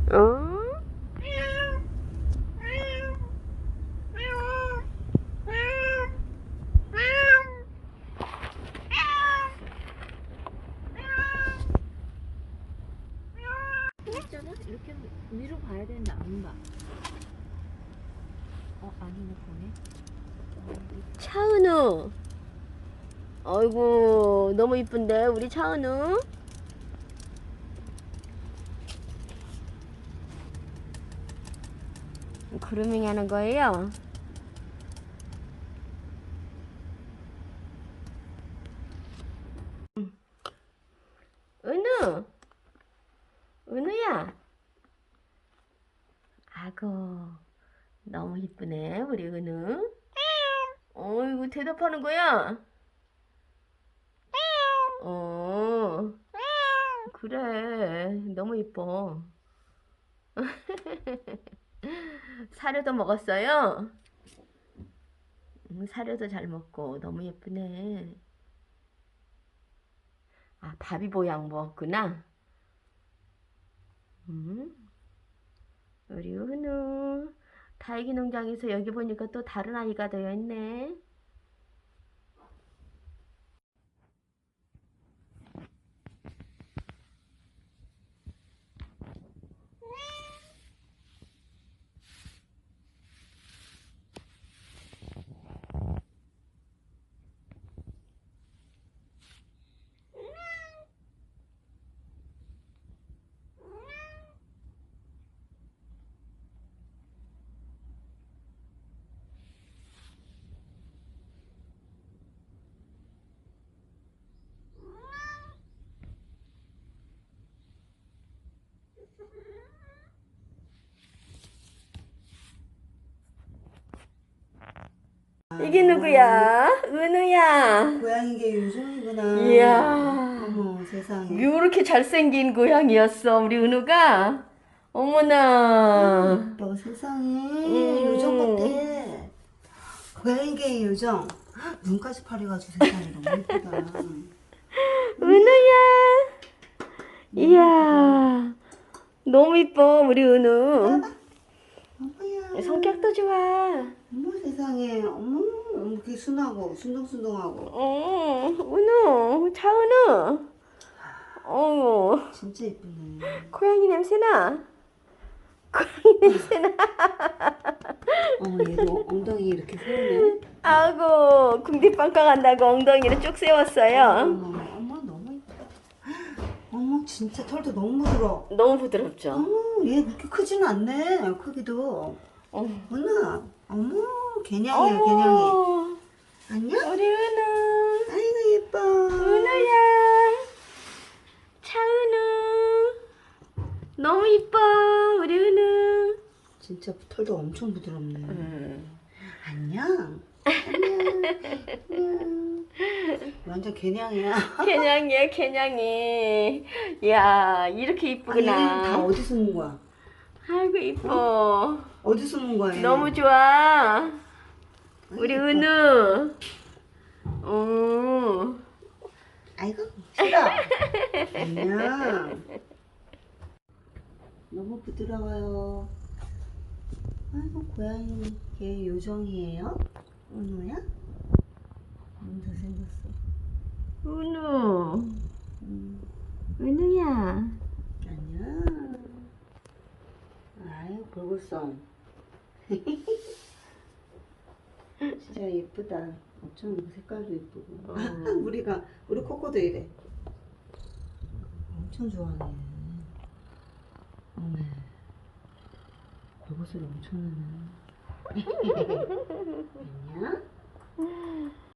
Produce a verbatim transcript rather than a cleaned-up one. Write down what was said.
어? 있잖아? 이렇게 위로 봐야 되는데 안 봐. 어, 아니네, 보네. 차은우. 아이고, 너무 이쁜데, 우리 차은우. 그루밍 하는 거예요? 은우. 은우야. 아고, 너무 이쁘네, 우리 은우. 어이구, 대답하는 거야? 어, 그래. 너무 이뻐. 사료도 먹었어요? 음, 사료도 잘 먹고 너무 예쁘네. 아, 바비보양 먹었구나. 음, 우리 은우. 다육이 농장에서 여기 보니까 또 다른 아이가 되어 있네. 이게 누구야? 은우야. 고양이 게 요정이구나. 이야. 어머 세상에. 이렇게 잘생긴 고양이였어, 우리 은우가. 어머나. 너 세상에 음. 요정 같아. 고양이 게 요정. 눈까지 파래가지고 세상에 너무 예쁘다. 은우야. 이야. 너무 이뻐, 우리 은우. 어머야. 성격도 좋아. 어머 세상에. 어머 이렇게 순하고 순둥순둥하고. 어, 은우, 차은우. 어, 진짜 예쁘네. 고양이 냄새나. 고양이 냄새나. 어머 얘도 엉덩이 이렇게 세우네. 아고, 궁디빵빵 한다고 엉덩이를 쭉 세웠어요. 어머 어머 너무 예쁘다. 어머 진짜 털도 너무 부드러워. 너무 부드럽죠? 어머 얘 그렇게 크지는 않네. 크기도. 어. 은우, 어머, 개냥이야, 개냥이. 안녕? 우리 은우. 아이고, 예뻐. 은우야. 차은우. 너무 이뻐, 우리 은우. 진짜 털도 엄청 부드럽네. 음. 안녕. 안녕. 안녕. 완전 개냥이야. 개냥이야, 개냥이. 이야, 이렇게 아, 얘는 다 이쁘구나. 어디 숨은 거야? 아이고, 이뻐. 어디 숨은 거야? 얘는? 너무 좋아. 우리 예뻐. 은우. 오. 아이고, 싫어. 안녕. 너무 부드러워요. 아이고, 고양이 걔 요정이에요? 은우야? 너무 잘생겼어. 은우. 음. 은우야. 안녕. 아유, 볼골성. 진짜 예쁘다. 어쩜 색깔도 예쁘고. 어. 우리가, 우리 코코도 이래. 엄청 좋아하네. 어메. 볼골살이 엄청 나네. 안녕.